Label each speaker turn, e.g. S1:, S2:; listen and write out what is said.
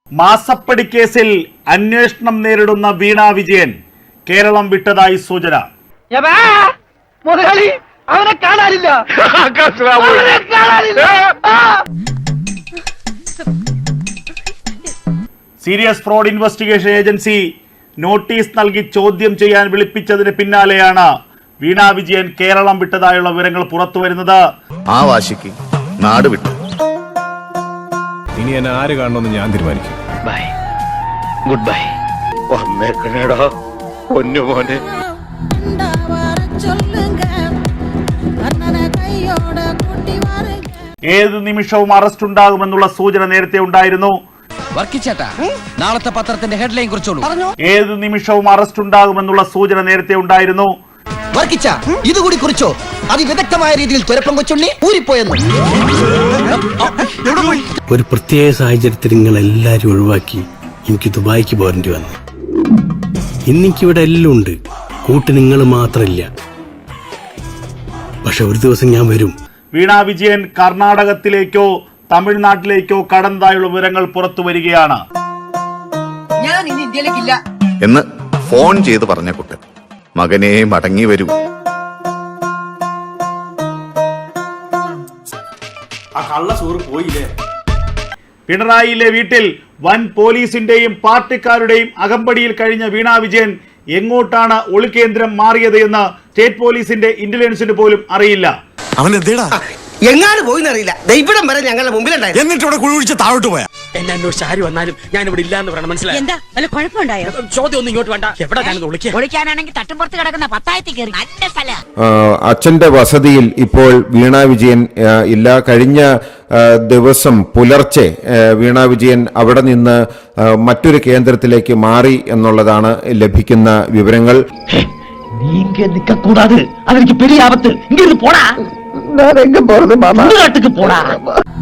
S1: മാസപ്പടി കേസിൽ അന്വേഷണം നേരിടുന്ന വീണ വിജയൻ കേരളം വിട്ടതായി സൂചന. Serious fraud investigation agency notice നൽകി ചോദ്യം ചെയ്യാൻ വിളിപ്പിച്ചതിന് പിന്നാലെയാണ് വീണ വിജയൻ കേരളം വിട്ടതായുള്ള വിവരങ്ങൾ പുറത്തുവരുന്നത്.
S2: ആ വാശിക്ക് നാട് വിട്ടു.
S3: ഇനി എന്നെ ആര് കാണണമെന്ന് ഞാൻ തീരുമാനിക്കും.
S2: By, good bye. വന്നേക്കണേടാ പൊന്നുമോനെ.
S1: ഏത് നിമിഷവും അറസ്റ്റ് ഉണ്ടാകുമെന്നുള്ള സൂചന നേരത്തെ ഉണ്ടായിരുന്നു.
S4: നാളത്തെ പത്രത്തിന്റെ ഹെഡ്ലൈൻ കുറിച്ചോളൂ.
S1: ഏത് നിമിഷവും അറസ്റ്റ് ഉണ്ടാകുമെന്നുള്ള സൂചന നേരത്തെ ഉണ്ടായിരുന്നു.
S4: ഇതുകൂടി കുറിച്ചോ? അതിവിദഗ്ധമായ രീതിയിൽ തുരപ്പം കൊച്ചുണ്ണി ഊരിപ്പോയെന്ന്.
S5: ഒരു പ്രത്യേക സാഹചര്യത്തിൽ നിങ്ങൾ എല്ലാരും ഒഴിവാക്കി എനിക്ക് ദുബായിക്ക് പോരേണ്ടി വന്നു. ഇന്നിക്കിവിടെ എല്ലാം ഉണ്ട്, കൂട്ട് നിങ്ങൾ മാത്രമില്ല. പക്ഷെ ഒരു ദിവസം ഞാൻ വരും.
S1: വീണ വിജയൻ കർണാടകത്തിലേക്കോ തമിഴ്നാട്ടിലേക്കോ കടന്നതായുള്ള വിവരങ്ങൾ പുറത്തു വരികയാണ്.
S4: ഞാൻ ഇനി ഇന്ത്യയിലേക്കില്ല
S2: എന്ന് ഫോൺ ചെയ്ത് പറഞ്ഞ കുട്ടൻ മകനെ മടങ്ങി വരൂ.
S1: പിണറായിയിലെ വീട്ടിൽ വൻ പോലീസിന്റെയും പാർട്ടിക്കാരുടെയും അകമ്പടിയിൽ കഴിഞ്ഞ വീണ വിജയൻ എങ്ങോട്ടാണ് ഒളികേന്ദ്രം മാറിയത് എന്ന് സ്റ്റേറ്റ് പോലീസിന്റെ ഇന്റലിജൻസിന് പോലും അറിയില്ല.
S4: എങ്ങാനും പോയിന്നറിയില്ല. ദൈവം വരെ ഞങ്ങളുടെ മുമ്പിലുണ്ടായിരുന്നു.
S3: എന്നിട്ട് ഇവിടെ കുഴിച്ച് താഴോട്ട് പോയാ
S6: എന്നെ അന്വേഷിച്ച് ആര് വന്നാലും ഞാൻ ഇവിടെ ഇല്ലാന്ന് പറയണം. മനസ്സിലായി?
S7: എന്താ വല്ല കുഴപ്പമുണ്ടായോ?
S6: ചോദ്യം ഒന്നും ഇങ്ങോട്ട് വേണ്ട. എവിടെ ഞാനത്
S7: ഒളിക്കാനാണെങ്കിൽ തട്ടുംപുറത്ത് കിടക്കുന്ന പത്തായത്തിൽ കയറി നല്ല സ്ഥല.
S8: അച്ഛന്റെ വസതിയിൽ ഇപ്പോൾ വീണ വിജയൻ ഇല്ല. കഴിഞ്ഞ ദിവസം പുലർച്ചെ വീണ വിജയൻ അവിടെ നിന്ന് മറ്റൊരു കേന്ദ്രത്തിലേക്ക് മാറി എന്നുള്ളതാണ് ലഭിക്കുന്ന വിവരങ്ങൾ.
S6: കൂടാതെ അതെനിക്ക് പെരിയ ആപത്ത്. ഇങ്ങനെ പോടാ. പോടാ.